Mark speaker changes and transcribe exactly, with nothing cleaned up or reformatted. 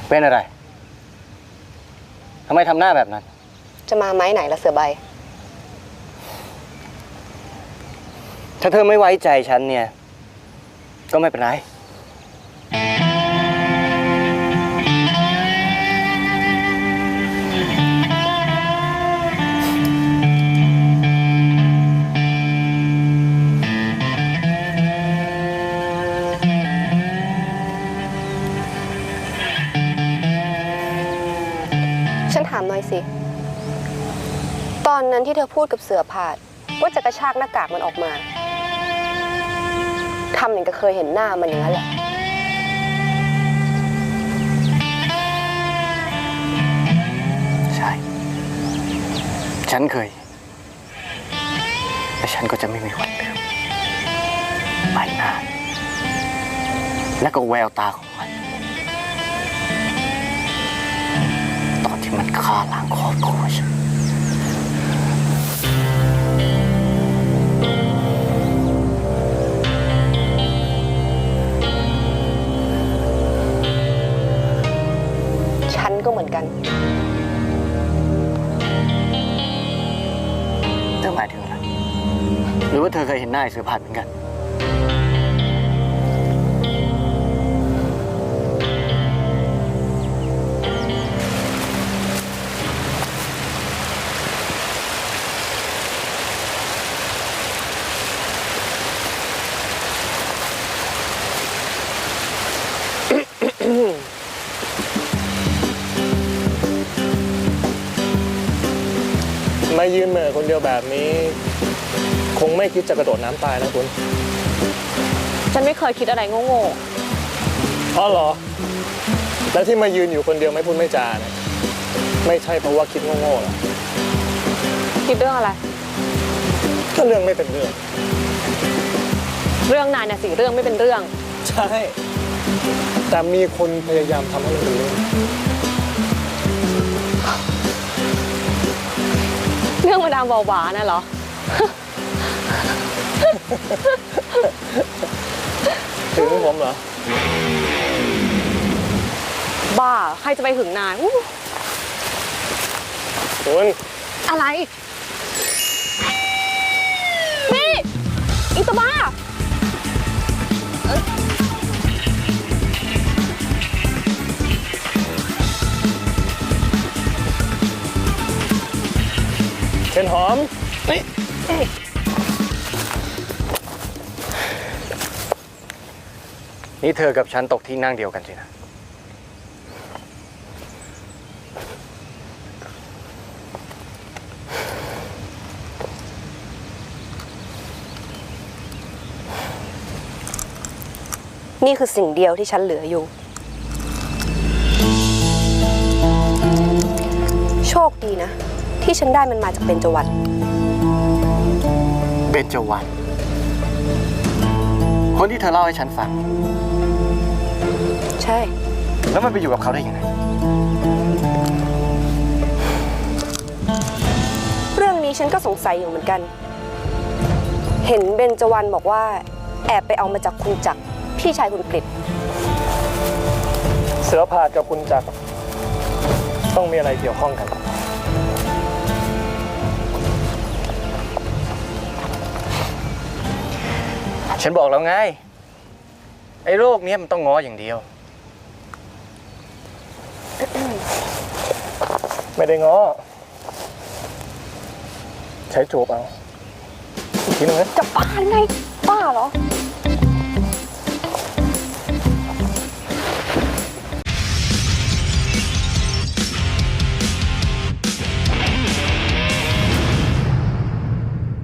Speaker 1: เป็นอะไรทำไมทำหน้าแบบนั้น
Speaker 2: จะมาไม้ไหนละเสือใบ
Speaker 1: ถ้าเธอไม่ไว้ใจฉันเนี่ยก็ไม่เป็นไร
Speaker 2: ฉันถามหน่อยสิตอนนั้นที่เธอพูดกับเสือผาดว่าจะกระชากหน้ากากมันออกมาทำอย่างกับเคยเห็นหน้ามันอย่างนั้นแหละ
Speaker 1: ใช่ฉันเคยแต่ฉันก็จะไม่มีวันลืมใบหน้าและก็แววตาของมันตอนที่มันฆ่าล้างครอบครัวฉัน
Speaker 2: ฉันก็เหมือนกัน
Speaker 1: เธอหมายถึงอะไรหรือว่าเธอเคยเห็นหน้าไอ้เสือผาดเหมือนกัน
Speaker 3: มายืนเหม่อคนเดียวแบบนี้คงไม่คิดจะกระโดดน้ำตายนะคุณ
Speaker 4: ฉันไม่เคยคิดอะไรโง่
Speaker 3: อ๋อเหรอแล้วที่มายืนอยู่คนเดียวไม่พูดไม่จาเนี่ยไม่ใช่เพราะว่าคิดโง่ๆหรอ
Speaker 4: คิดเรื่องอะไร
Speaker 3: ก็เรื่องไม่เป็นเรื่อง
Speaker 4: เรื่องนายน่ะสิเรื่องไม่เป็นเรื่อง
Speaker 3: ใช่แต่มีคนพยายามทำให้มันเป็นเรื่อง
Speaker 4: เรื่องมาดามบาบาน่ะเหรอ
Speaker 3: ถึงผมเหรอ
Speaker 4: บ้าใครจะไปหึงนาย
Speaker 3: คุณ
Speaker 4: อะไรนี่อีตาบ้า
Speaker 3: เช่นหอมนี่
Speaker 1: นี่เธอกับฉันตกที่นั่งเดียวกันสินะ
Speaker 2: นี่คือสิ่งเดียวที่ฉันเหลืออยู่โชคดีนะที่ฉันได้มันมาจากเบญจวรรณ
Speaker 1: เบญจวรรณคนที่เธอเล่าให้ฉันฟัง
Speaker 2: ใช่
Speaker 1: แล้วมันไปอยู่กับเขาได้ยังไง
Speaker 2: เรื่องนี้ฉันก็สงสัยอยู่เหมือนกันเห็นเบญจวรรณบอกว่าแอบไปเอามาจากคุณจักรพี่ชายคุณกฤษ
Speaker 3: เสือผาดกับคุณจักรต้องมีอะไรเกี่ยวข้องกัน
Speaker 1: ฉันบอกแล้วไงไอ้โรคนี้มันต้องง้ออย่างเดียว
Speaker 3: ไม่ได้ง้อใช้จูบเอาอีกทีนึงนะ
Speaker 4: จะบ้าไงบ้าเหรอ